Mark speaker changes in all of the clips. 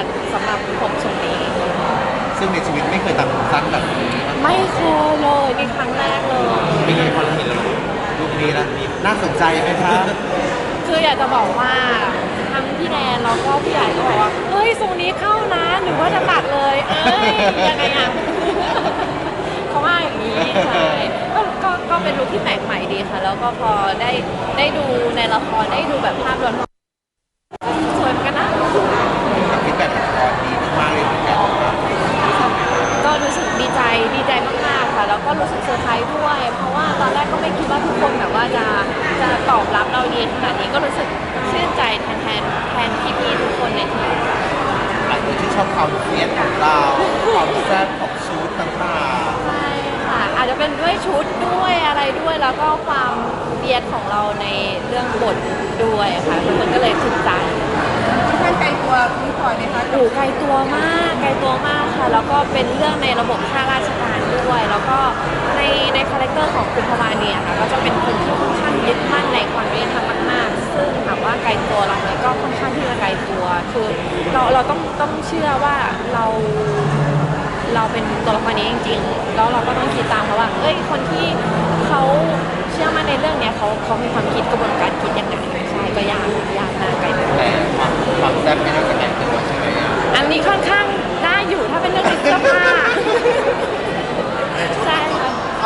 Speaker 1: ค่ะสำหรับผมทรงนี้
Speaker 2: ซึ่งในชีวิตไม่เคยตัดผมสั้นแบบนี้
Speaker 1: ไม่เคยเลยนี่ครั้งแรกเลย
Speaker 2: เป็นไงพอเราเห็นแล้วรูปนี้แล้วน่าสนใจไหมคะ
Speaker 1: คืออยากจะบอกว่าทั้งพี่แนนแล้วก็พี่ใหญ่ก็บอกว่าเฮ้ยทรงนี้เข้านะหรือว่าจะตัดเลยเอ้ยยังไงอ่ะ เขาว่าอย่างนี้ใช่ก็เป็นลุคที่แปลกใหม่ดีค่ะ แล้วก็พอได้ดูในละครได้ดูแบบภาพรวมสวยเหมือนกันนะ
Speaker 2: ฟีดแบ็กละครดีมากเลยเหมือนกันครับ
Speaker 1: ก็รู้สึกดีใจมากๆค่ะแล้วก็รู้สึกเซอร์ไพรส์ด้วย เพราะว่าตอนแรกก็ไม่คิดว่าทุกคนแบบว่าจะตอบรับเราดีขนาดนี้ก็รู้สึกชื่นใจแทนพี่ๆทุกคนในทีม
Speaker 2: หลายคนที่ชอบความเฟียสของเราความแซ่บของชุดต่าง
Speaker 1: ใช่ค่ะอาจจะเป็นด้วยชุดด้วยอะไรด้วยแล้วก็ความเบียดของเราในเรื่องบทด้วยค่ะมันก็เลยถูกใจ
Speaker 3: ท่านไกลตัวพี่พลอยไหมคะ
Speaker 1: โอ้ไกลตัวมากค่ะ แล้วก็เป็นเรื่องในระบบข้าราชการด้วย แล้วก็ในคาแรคเตอร์ของคุณพวานีค่ะก็จะเป็นคนที่ค่อนข้างยึดมั่นในความยุติธรรมมากๆซึ่งถามว่าไกลตัวเราไหมก็ค่อนข้างที่จะไกลตัวคือเราต้องเชื่อว่าเราเป็นตัวละครนี้จริงๆแล้วเราก็ต้องคิดตามเขาว่าเอ้ยคนที่เขาเชื่อมั่นในเรื่องเนี้ยเขามีความคิดกระบวนการคิดยังไงใช่ก็ยากมากไกลตัว
Speaker 2: ๆแต่ความแซ่บไม่น่าจะแต่งตัวใช่ไหมอะ
Speaker 1: อันนี้ค่อนข้างได้อยู่ถ้าเป็นเรื่องในเสื้อผ้า ใช่ค่ะ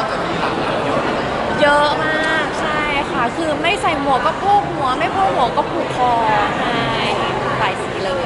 Speaker 1: เยอะมากใช่ค่ะ คือไม่ใส่หมวกก็โพกหัว ไม่โพกหัวก็ผูกคอใช่หลายสีเลย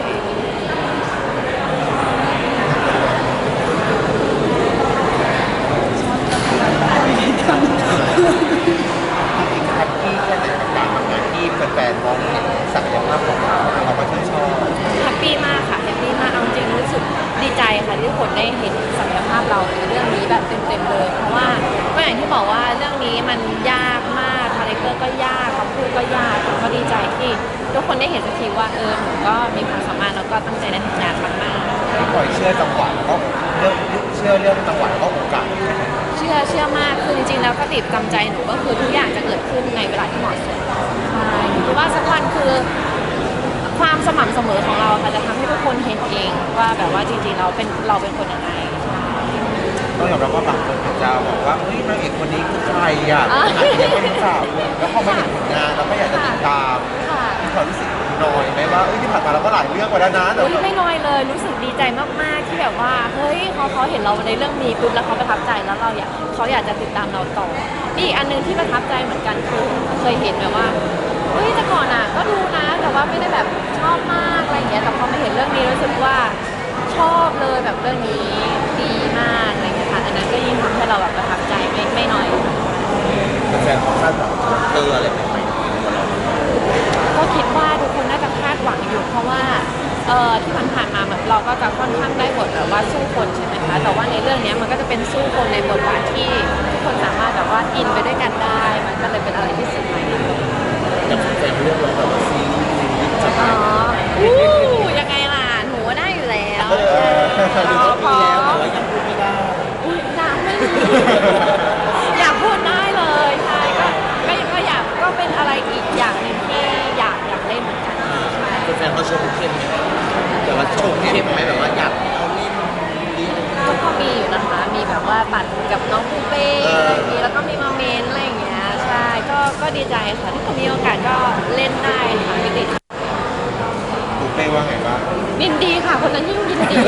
Speaker 2: จริงๆแฮปปี้แค่ไหนกับการทำงานที่แฟนๆมองเห็นศักยภาพของเราเราก็ชื่นชอบ
Speaker 1: แฮปปี้มากค่ะแฮปปี้มากเอาจริงรู้สึกดีใจค่ะที่ทุกคนได้เห็นศักยภาพเราในเรื่องนี้แบบเต็มๆเลย เพราะว่าก็อย่างที่บอกว่าเรื่องนี้มันยากมากคาแรคเตอร์ก็ยากคำพูดก็ยากก็ดีใจที่ทุกคนได้เห็นสักทีว่าหนูก็มีความสามารถแล้วก็ตั้งใจในทำงานมากๆ
Speaker 2: ถ้าปล่อยเชื่อจังหวะแล้วก็เชื่อเรื่องจังหวะแล้วก็โอกาส
Speaker 1: เชื่อมากคือจริงๆแล้วก็ติดจำใจหนูก็คือทุกอย่างจะเกิดขึ้นในเวลาที่เหมาะสมใช่คือว่าสักวันคือความสม่ำเสมอของเราค่ะจะทำให้ทุกคนเห็นเองว่าแบบว่าจริงๆเราเป็นคนยังไงใช่
Speaker 2: ต้องยอมรับว่าบางคนอาจจะบอกว่าเฮ้ยนางเอกคนนี้คือใครอ่ะอาจจะยังไม่รู้จักแล้วพอมาเห็นผลงานเราก็อยากจะติดตาม
Speaker 1: ค่ะ
Speaker 2: มีความรู้สึกน้อยไหมว่าที่ผ่านมาเราก็หลายเรื่องมาแล้วนะแต่
Speaker 1: อุ๊ยไม่น้อยเลยรู้สึกดีใจมากๆที่แบบว่าเฮ้ยเขาเห็นเราในเรื่องนี้ปุ๊บแล้วเขาประทับใจแล้วเขาอยากจะติดตามเราต่อนี่อีกอันหนึงที่ประทับใจเหมือนกันคือเคยเห็นแบบว่าเฮ้ยแต่ก่อนอ่ะก็ดูนะแต่ว่าไม่ได้แบบชอบมากอะไรอย่างเงี้ยแต่พอมาเห็นเรื่องนี้รู้สึกว่าชอบเลยแบบเรื่องนี้ดีมากอะไรอย่างเงี้ยค่ะอันนั้นก็ยิ่งทำให้เราแบบประทับใจไม่น้อย
Speaker 2: แฟนๆคาดหวังอะไรใหม่ๆของเรา
Speaker 1: ก็คิดว่าทุกคนน่าจะคาดหวังอยู่เพราะว่าที่ผ่านๆมาแบบเราก็จะค่อนข้างได้บทแบบว่าสู้คนใช่ไหมคะแต่ว่าในเรื่องนี้มันก็จะเป็นสู้คนในบทบาทที่ทุกคนสามารถแบบว่าอินไปด้วยกันได้ มันก็เลยเป็นอะไรที่สุดใหม่
Speaker 2: แต่แฟนๆเรื่องเราแบบว่าซีรีส์จะ
Speaker 1: อ๋
Speaker 2: มา
Speaker 1: อยังไงล่ะหนูว่าได้อยู่แล้ว
Speaker 2: ดูก็
Speaker 1: พ
Speaker 2: มี
Speaker 1: อ
Speaker 2: แล้วแต่ว่ายังพูดไม่ได้
Speaker 1: อุ๊ยอยากไม่อยากพูดได้เลยใช่ก็อยากก็เป็นอะไรอีกอย่างหนึ่งที่อยากเล่นเหมือนกันใช่
Speaker 2: แฟนๆเขาชมเข้มไหมแต่ว่าชมเข้มไหมแบบว่าอยากเอาเล่นนี้
Speaker 1: ก็มีอยู่นะคะ มีแบบว่าปัดกับน้องปูเป้อะไรอย่างนี้แล้วก็มีมาเมนอะไรอย่างเงี้ย ใช่ ก็ดีใจค่ะ ถ้าเกิดมีโอกาสก็เล่นได้ค่ะไม่ติด
Speaker 2: ปูเป้ว่าไงบ้าง
Speaker 1: ยินดีค่ะ คนนั้นยิ่งยินดี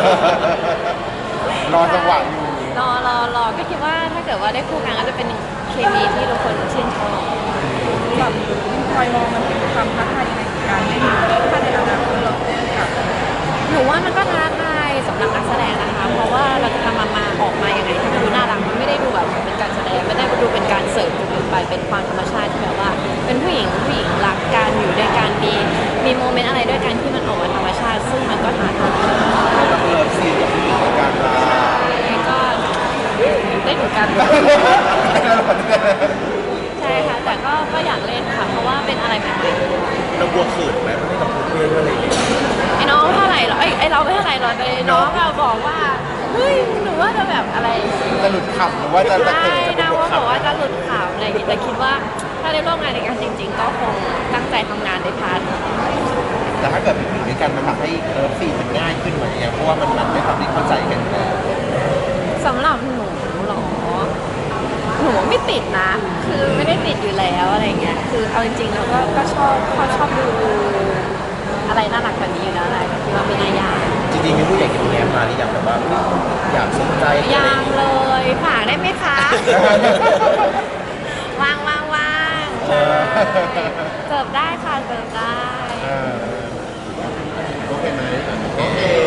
Speaker 2: รอจังหวะอยู่
Speaker 1: รอก็คิดว่าถ้าเกิดว่าได้คู่กันก็จะเป็นเคมีที่ทุกคนชื่นชอบ
Speaker 3: แบบพี่พลอยมองมันเป็นความท้าทายยังไงกับการเล่นถ้าในอนาคตเราเล่นกับ
Speaker 1: หนูว่ามันก็ท้าทายสำหรับนักแสดงนะคะ เพราะว่าเราจะทำมาออกมายังไงให้มันดูน่ารักมันไม่ได้ดูแบบเป็นการแสดงไม่ได้ดูเป็นการเสริมจนเกินไปเป็นความธรรมชาติที่แบบว่า เป็นผู้หญิงรักกันอยู่ด้วยกันมีโมเมนต์อะไรด้วยกันที่มันออกมาธรรมชาติ ซึ่งมันก็ท้าทาย
Speaker 2: ต้องเลิฟซีนกับผู้หญิงในการมา
Speaker 1: ก็ได้เหมือนกันใช่ค่ะแต่ก็อยากเล่นค่ะเพราะว่าเป็นอะไรใหม่ๆ
Speaker 2: เรากลัวขืนไหมไม่ต้องปูเป้ด้วยอะไรอย่างเงี้ย
Speaker 1: ไอ้น้องไม่เท่าไหร่หรอกไอ้เราไม่เท่าไหร่หรอกแต่น้องเราบอกว่าเฮ้ยหนูว่าจะแบบอะไร
Speaker 2: จะหลุดขำหรือว่าจะตะ
Speaker 1: ใช่
Speaker 2: เกิดจะเป็น
Speaker 1: นะ
Speaker 2: บท
Speaker 1: ว่าบอกว่า
Speaker 2: ขำ
Speaker 1: จะหลุดข่าวอะไรอย่างงี้แต่คิดว่าถ้าได้ร่วมงานในการจริง ๆ ก็คงตั้งใจทำงานในพาร์ท
Speaker 2: แต่ถ้าเกิดเป็นผู้หญิงในด้วยกันมันทำให้เลิฟซีนมันง่ายขึ้นไหมเพราะว่ามันไม่ทำให้เข้าใจกันอยู่แล้ว
Speaker 1: สำหรับหนูเหรอหนูไม่ติดนะ คือไม่ได้ติดอยู่แล้วอะไรเงี้ยคือเอาจริงๆแล้วก็ชอบดูอะไรน่ารักแบบนี้อยู่แล้วแหละก็คิดว่าไม่น่ายาก
Speaker 2: จริงๆมีผู้ใหญ่กินแง้มมาหรือยังแบบว่าอยากสนใจ
Speaker 1: ยังเลยฝากได้ไหมคะ ว่างใช่เสิร์ฟได้ค่ะเสิร์ฟได้
Speaker 2: โอเคไหมโอเค